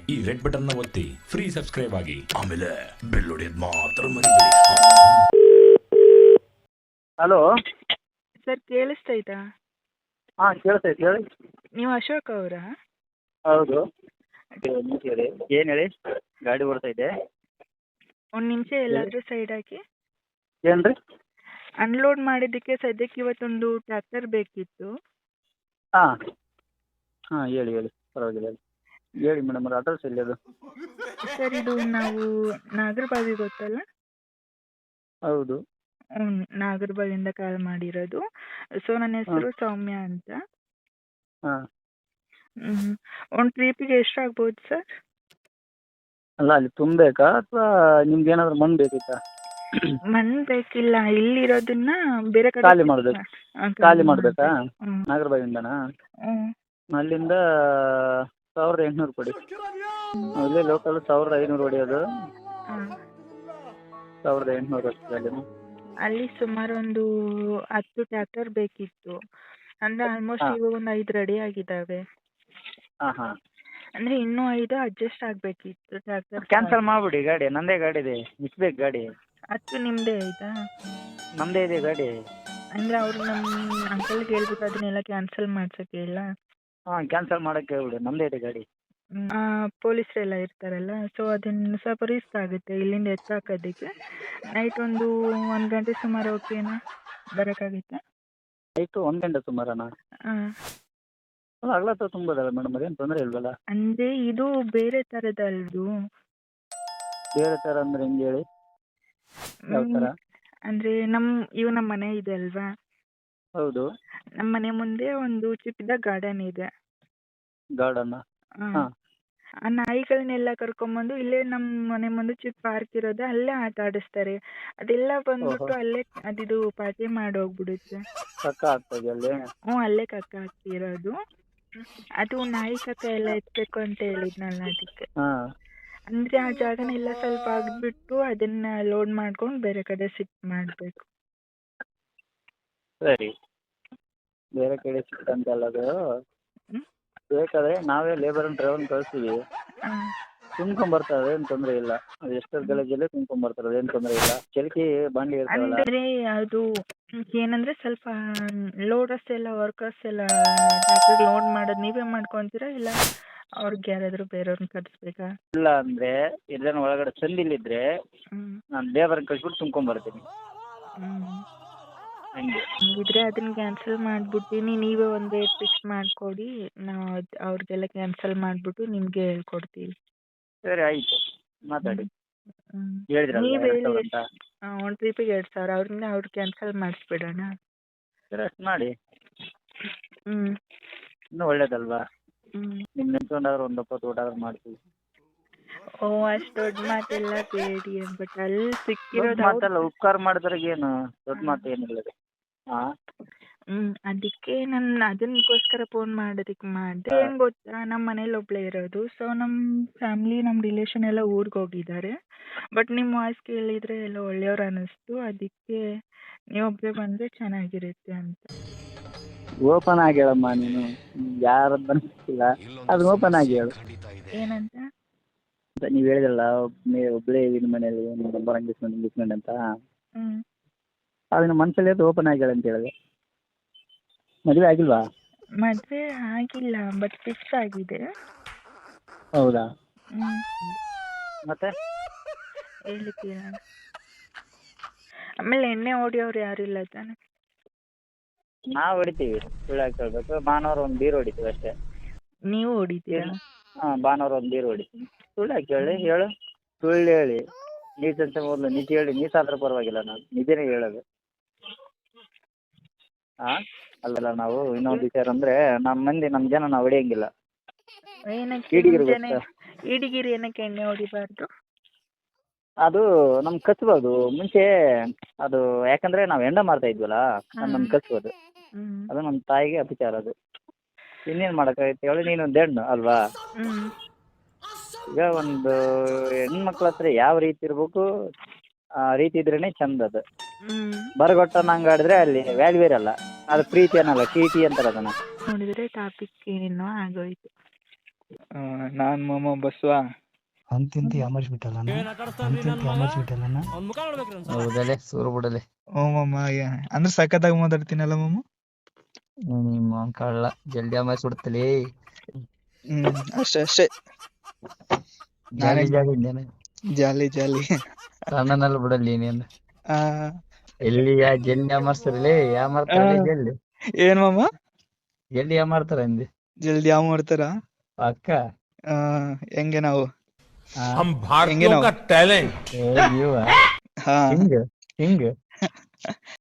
ಈ red button ನ ಒತ್ತಿ ಫ್ರೀ ಸಬ್ಸ್ಕ್ರೈಬ್ ಆಗಿ ಆಮೇಲೆ ಬೆಲ್ ಹೊಡೆಯೋದು ಮಾತ್ರ ಮರಿಬೇಡಿ. ಹಲೋ ಸರ್ ಕೇಳಿಸ್ತೈತಾ? ಹಾಂ ಕೇಳಿಸ್ತೈತೆ ಹೇಳಿ. ನೀವು ಅಶೋಕ್ ಅವರಾ? ಹೌದು ಹೇಳಿ, ಏನು ಹೇಳಿ, ಗಾಡಿ ಓಡ್ತೈತೆ. ಒಂದು ನಿಮಿಷ ಎಲ್ಲಾದರೂ ಸೈಡ್ ಹಾಕಿ. ಏನು ರೀ? ಅನ್ಲೋಡ್ ಮಾಡಿದ್ದಕ್ಕೆ ಸದ್ಯಕ್ಕೆ ಇವತ್ತೊಂದು ಟ್ರ್ಯಾಕ್ಟರ್ ಬೇಕಿತ್ತು. ಹಾಂ ಹಾಂ ಹೇಳಿ ಹೇಳಿ, ಪರವಾಗಿಲ್ಲ ಹೇಳಿ ಮೇಡಮ್. ಅವ್ರ ಅಡ್ರೆಸ್ ಎಲ್ಲಿ ಅದು? ಸರ್ ಇದು ನಾವು ನಾಗರಬಾವಿ ಗೊತ್ತಲ್ಲ? ಹೌದು. ನಾಗರಬಾವಿಯಿಂದ ಕಾಲ್ ಮಾಡಿರೋದು. ಸೊ ನನ್ನ ಹೆಸರು ಸೌಮ್ಯ ಅಂತ. ಹಾಂ ಒಂದು ಟ್ರಿಪ್ಪಿಗೆ ಎಷ್ಟಾಗ್ಬೋದು ಸರ್? ಅಲ್ಲ ಅಲ್ಲಿ ತುಂಬಬೇಕಾ ಅಥವಾ ನಿಮ್ಗೆ ಏನಾದರೂ ಮಣ್ಣು ಬೇಕಿತ್ತಾ? ಮಣ್ಣು ಬೇಕಿಲ್ಲ, ಇಲ್ಲಿರೋದನ್ನ ಬೇರೆ ಕಡೆ ಖಾಲಿ ಮಾಡಬೇಕು. ಖಾಲಿ ಮಾಡಬೇಕಾ? ನಾಗರಬಾವಿಯಿಂದನಾ? ಅಲ್ಲಿಂದ 1800 ಕೊಡಿ. ಇಲ್ಲೇ ಲೋಕಲ್ 1500 ಹೊಡೆಯೋದು. 1800 ಅಷ್ಟೇ ಅಲ್ಲಿ. ಅಲ್ಲಿ ಸುಮಾರು ಒಂದು 10 ಟ್ರ್ಯಾಕ್ಟರ್ ಬೇಕಿತ್ತು. ಅಂದರೆ ಆಲ್ಮೋಸ್ಟ್ ಇವಾಗ ಒಂದು 5 ರೆಡಿ ಆಗಿದ್ದಾವೆ. ಹಾಂ ಹಾಂ, ಅಂದರೆ ಇನ್ನೂ 5 ಅಡ್ಜಸ್ಟ್ ಆಗಬೇಕಿತ್ತು ಟ್ರ್ಯಾಕ್ಟರ್. ಕ್ಯಾನ್ಸಲ್ ಮಾಡಿಬಿಡಿ ಗಾಡಿ. ನನ್ನದೇ ಗಾಡಿ ಇದೆ, ಮಿಸ್ಬೇಕು ಗಾಡಿ. 10 ನಿಮ್ಮದೇ ಆಯಿತಾ? ನಮ್ಮದೇ ಇದೆ ಗಾಡಿ. ಅಂದರೆ ಅವರು ನಮ್ಮ ಅಂಕಲ್ಗೆ ಹೇಳ್ಬಿಟ್ಟು ಅದನ್ನೆಲ್ಲ ಕ್ಯಾನ್ಸಲ್ ಮಾಡ್ಸೋಕ್ಕೆ ಹೇಳ? ಹಾಂ ಕ್ಯಾನ್ಸಲ್ ಮಾಡೋಕ್ಕೆ ಹೇಳ್ಬಿಡಿ, ನಮ್ಮದೇ ಇದೆ ಗಾಡಿ. ಪೊಲೀಸರೆಲ್ಲ ಇರ್ತಾರಲ್ಲ, ಸೊ ಅದನ್ನು ಸ್ವಲ್ಪ ರಿಸ್ಕ್ ಆಗುತ್ತೆ ಇಲ್ಲಿಂದ ಎತ್ತಾಕೋದಕ್ಕೆ. ನೈಟ್ ಒಂದು 1 ಗಂಟೆ ಸುಮಾರು ಓಕೆನಾ, ಬರೋಕ್ಕಾಗುತ್ತಾ? ಆಯಿತು, 1 ಗಂಟೆ ಸುಮಾರನಾ? ಹಾಂ ಅಲ್ಲ ಹಗಲತ್ತ ತುಂಬೋದಲ್ಲ ಮೇಡಮ್, ಅದೇನು ತೊಂದರೆ ಇಲ್ವಲ್ಲ? ಅಂದರೆ ಇದು ಬೇರೆ ಥರದಲ್ದು. ಬೇರೆ ಥರ ಅಂದರೆ ಹೆಂಗೆ ಹೇಳಿ, ಯಾವ ಥರ? ಅಂದರೆ ನಮ್ಮ ಮನೆ ಇದೆ ಅಲ್ವಾ? ಹೌದು. ನಮ್ಮ ಮನೆ ಮುಂದೆ ಒಂದು ಚಿಕ್ಕದ ಗಾರ್ಡನ್ ಇದೆ. ಗಾರ್ಡನ್ನ? ಹಾಂ. ಆ ನಾಯಿಗಳನ್ನೆಲ್ಲ ಕರ್ಕೊಂಬಂದು ಇಲ್ಲೇ ನಮ್ಮ ಮನೆ ಮುಂದೆ ಚಿಕ್ಕ ಪಾರ್ಕ್ ಇರೋದು, ಅಲ್ಲೇ ಆಟ ಆಡಿಸ್ತಾರೆ. ಅದೆಲ್ಲ ಬಂದ್ಬಿಟ್ಟು ಅಲ್ಲೇ ಅದಿದು ಪಾರ್ಟಿ ಮಾಡೋಗ್ಬಿಡುತ್ತೆ. ಕಕ್ಕ ಆಗ್ತದೆ ಅಲ್ಲಿ? ಅಲ್ಲೇ ಕಕ್ಕ ಹಾಕ್ತಿರೋದು. ಅದು ನಾಯಿ ಕಕ್ಕ ಎಲ್ಲ ಎತ್ತಬೇಕು ಅಂತ ಹೇಳಿದ್ನಲ್ಲ ಅದಕ್ಕೆ. ಹಾಂ. ಅಂದರೆ ಆ ಜಾಗನೆಲ್ಲ ಸ್ವಲ್ಪ ಅಗ್ದ್ಬಿಟ್ಟು ಅದನ್ನ ಲೋಡ್ ಮಾಡ್ಕೊಂಡು ಬೇರೆ ಕಡೆ ಶಿಫ್ಟ್ ಮಾಡಬೇಕು. ಸರಿ, ಬೇರೆ ಕಡೆ ಸಿಕ್ಕಂತಲ್ಲ ಅದು. ಬೇಕಾದರೆ ನಾವೇ ಲೇಬರನ್ನು ಡ್ರೈವರ್ನ ಕಳಿಸ್ತೀವಿ, ತುಂಬ್ಕೊಂಬರ್ತಾರೆ, ಏನು ತೊಂದರೆ ಇಲ್ಲ. ಅದು ಎಷ್ಟೊತ್ತು ಗಲಜಲ್ಲೇ ತುಂಬ್ಕೊಂಬರ್ತಾರೆ, ಅದೇನು ತೊಂದರೆ ಇಲ್ಲ. ಚಲಿಕೆ ಬಾಂಡಿ ಇರ್ತಾವಲ್ಲ. ಅಂದರೆ ಅದು ಏನಂದರೆ ಸ್ವಲ್ಪ ಲೋಡರ್ಸ್ ಎಲ್ಲ ವರ್ಕರ್ಸ್ ಎಲ್ಲ ಟ್ರ್ಯಾಕ್ಟರ್ ಲೋಡ್ ಮಾಡೋದು ನೀವೇ ಮಾಡ್ಕೊತೀರಾ ಇಲ್ಲ ಅವ್ರಿಗೆ ಯಾರಾದರೂ ಬೇರೆಯವ್ರನ್ನ ಕಳಿಸ್ಬೇಕಾ? ಇಲ್ಲ ಅಂದರೆ ಎಲ್ಲೇನೋ ಒಳಗಡೆ ಸಂದಿಲ್ಲಿದ್ದರೆ ನಾನು ಲೇಬರ್ನ ಕಳಿಸ್ಬಿಟ್ಟು ತುಂಬ್ಕೊಂಬರ್ತೀನಿ. ಹಂಗೆ ಹಂಗಿದ್ರೆ ಅದನ್ನ ಕ್ಯಾನ್ಸಲ್ ಮಾಡಿಬಿಡ್ತೀನಿ. ನೀವೇ ಒಂದು ಡೇಟ್ ಫಿಕ್ಸ್ ಮಾಡಿಕೊಡಿ, ನಾವು ಅವ್ರಿಗೆಲ್ಲ ಕ್ಯಾನ್ಸಲ್ ಮಾಡಿಬಿಟ್ಟು ನಿಮಗೆ ಹೇಳ್ಕೊಡ್ತೀವಿ. ಸರಿ ಆಯಿತು, ಮಾತಾಡಿ. ನೀವು ಹೇಳಿದ್ರಲ್ಲ ಹೇಳಿ ಅಂತ. ಒಂದು ಟ್ರಿಪ್ಪಿಗೆ 2000 ಅವ್ರಿಂದ ಅವ್ರು ಕ್ಯಾನ್ಸಲ್ ಮಾಡಿಸ್ಬಿಡೋಣ. ಸರಿ ಅಷ್ಟು ಮಾಡಿ, ಹ್ಞೂ ಇನ್ನೂ ಒಳ್ಳೇದಲ್ವಾ? ಹ್ಞೂ ನಿಮ್ಮ ನೆನ್ಸ್ಕೊಂಡಾದ್ರೂ ಒಂದು 20 ಊಟ ಆದ್ರೂ ಮಾಡ್ತೀವಿ. ಅಷ್ಟು ದೊಡ್ಡ ಮಾತೆಲ್ಲ ಬೇಡಿ. ಬಟ್ ಅಲ್ಲಿ ಸಿಕ್ಕಿರೋದು ಮಾತಲ್ಲ, ಉಪಕಾರ ಮಾಡಿದ್ರಾಗೇನು ದೊಡ್ಡ ಮಾತು ಏನಿಲ್ಲ ಅದು. ಹಾಂ ಅದಕ್ಕೆ ನಾನು ಅದಕ್ಕೋಸ್ಕರ ಫೋನ್ ಮಾಡೋದಕ್ಕೆ ಮಾಡಿದೆ. ಏನು ಗೊತ್ತಾ, ನಮ್ಮ ಮನೇಲಿ ಒಬ್ಬಳೇ ಇರೋದು. ಸೊ ನಮ್ಮ ಫ್ಯಾಮ್ಲಿ, ನಮ್ಮ ರಿಲೇಷನ್ ಎಲ್ಲ ಊರಿಗೆ ಹೋಗಿದ್ದಾರೆ. ಬಟ್ ನಿಮ್ಮ ವಾಯ್ಸ್ ಕೇಳಿದರೆ ಎಲ್ಲ ಒಳ್ಳೆಯವ್ರು ಅನ್ನಿಸ್ತು. ಅದಕ್ಕೆ ನೀವೊಬ್ಬರೇ ಬಂದರೆ ಚೆನ್ನಾಗಿರುತ್ತೆ ಅಂತ. ಓಪನ್ ಆಗಿ ಹೇಳಮ್ಮ, ನೀನು ಯಾರದ್ದು ಅನಿಸ್ತಿಲ್ಲ, ಅದು ಓಪನ್ ಆಗಿ ಹೇಳು. ಏನಂತ? ನೀವು ಹೇಳಿದ್ರಲ್ಲ ಒಬ್ಬಳೇ ನಿಮ್ಮ ಮನೇಲಿ ನಂಬರ್ ಇಂಗ್ಲೀಷ್ಮೆಂಟ್ ಅಂತ, ಅದನ್ನ ಮನಸ್ಸಲ್ಲಿ ಅದು ಓಪನ್ ಆಗಿ ಹೇಳಂತ ಹೇಳಿದೆ. ಮದುವೆ ಆಗಿಲ್ವಾ? ಮದುವೆ ಆಗಿಲ್ಲ, ಬಟ್ ಫಿಕ್ಸ್ ಆಗಿದೆ. ಹೌದಾ? ಮತ್ತೆ ಹೇಳ್ತೀರಾ? ಆಮೇಲೆ ಎಣ್ಣೆ ಹೊಡಿಯೋರು ಯಾರು ಇಲ್ಲ ತಾನೆ? ನಾವು ಹೊಡಿತೀವಿ, ಸುಳ್ಳು ಹಾಕಿ ಹೇಳ್ಬೇಕು. ಭಾನುವಾರ ಒಂದು ಬೀರು ಹೊಡಿತೀವಿ ಅಷ್ಟೇ. ನೀವು ಹೊಡಿತೀರಾ? ಹಾಂ, ಭಾನುವಾರ ಒಂದು ಬೀರು ಹೊಡಿತೀವಿ. ಸುಳ್ಳು ಹಾಕಿ ಹೇಳು, ಸುಳ್ಳು ಹೇಳಿ ನೀಚಂತ ಮೊದಲು ನಿಜ ಹೇಳಿ. ನೀಸಾದ್ರೆ ಪರವಾಗಿಲ್ಲ, ನಾನು ನಿಜನೇ ಹೇಳೋದು. ಹಾಂ ಅಲ್ಲಲ್ಲ, ನಾವು ಇನ್ನೊಂದು ವಿಚಾರ ಅಂದರೆ ನಮ್ಮ ಜನ ನಾವು ಹೊಡಿಯಂಗಿಲ್ಲ. ಈಡಿಗಿರಿ ಏನಕ್ಕೆ ಎಣ್ಣೆ ಹೊಡಿಬಾರ್ದು? ಅದು ನಮ್ಗೆ ಕಚ್ಬೋದು ಮುಂಚೆ. ಅದು ಯಾಕಂದರೆ ನಾವು ಹೆಂಡ ಮಾಡ್ತಾ ಇದ್ವಲ್ಲ, ನಮ್ಗೆ ಕಚ್ಬೋದು. ಅದು ನಮ್ಮ ತಾಯಿಗೆ ಅಪಚಾರ. ಅದು ಇನ್ನೇನು ಮಾಡೋಕ್ಕಾಗತ್ತೆ ಹೇಳಿ? ನೀನೊಂದು ಹೆಣ್ಣು ಅಲ್ವಾ? ಈಗ ಒಂದು ಹೆಣ್ಮಕ್ಳ ಹತ್ರ ಯಾವ ರೀತಿ ಇರಬೇಕು ಆ ರೀತಿ ಇದ್ರೇ ಚಂದ. ಅದು ಬರಗೊಟ್ಟ ನಂಗೆ ಆಡಿದ್ರೆ ಅಲ್ಲಿ ವ್ಯಾಲ್ಯೂ ಇರಲ್ಲ. ಅದು ಪ್ರೀತಿ ಅನ್ನಲ್ಲ, ಟಿ ಅಂತಾರೆ ಅದನ್ನು. ನೋಡಿದರೆ ಟಾಪಿಕ್ ಏನೋ ಆಗೋಯ್ತು. ನಾನ್ ಮಾಮ ಬಸ್ವಾ. ಅಂತಿಂತಿ ಅಮರ್ಸ್ಬಿಟ್ಟಲ್ಲ ಹೌದಲೆ ಸೂರು ಬಿಡಲೆ ಓ ಮಾಮ ಅಂದ್ರೆ ಸಖತ್ತಾಗಿ ಮಾತಾಡ್ತೀನಲ್ಲ ಮಾಮ. ನಿಮ್ಮ ಕಳ್ಳ ಜಲ್ದಿ ಅಮರ್ಸ್ಬಿಡ್ತಲೇ. ಅಷ್ಟೇ ಅಷ್ಟೇ. ಜಾಲಿ ನಾನೇ ಜಾಲಿ ಇನ್ನೇನು ಜಾಲಿ ಜಾಲಿ. ಸಣ್ಣನಲ್ಲಿ ಬಿಡಲಿ ನೀನು. ಆ, ಎಲ್ಲಿ ಜಲ್ದಿ ಅಮರ್ಸ್ತಾರಲೇ ಯಾ ಆ, ಮಾಡ್ತಾರಲೇ ಜಲ್ದಿ ಏನ್ ಮಾಮ ಜಲ್ದಿ ಯಾ ಮಾಡ್ತಾರ ಅಂದೆ ಜಲ್ದಿ ಯಾವ ಮಾಡ್ತಾರ? ಪಕ್ಕ. ಆ, ಹೆಂಗೆ ನಾವು ಹಾ हम ಹೆಂಗೆ भारतीयों ನಾವು का टैलेंट ಏ ನೀವ ಹಾ ಹಿಂಗ ಹಿಂಗ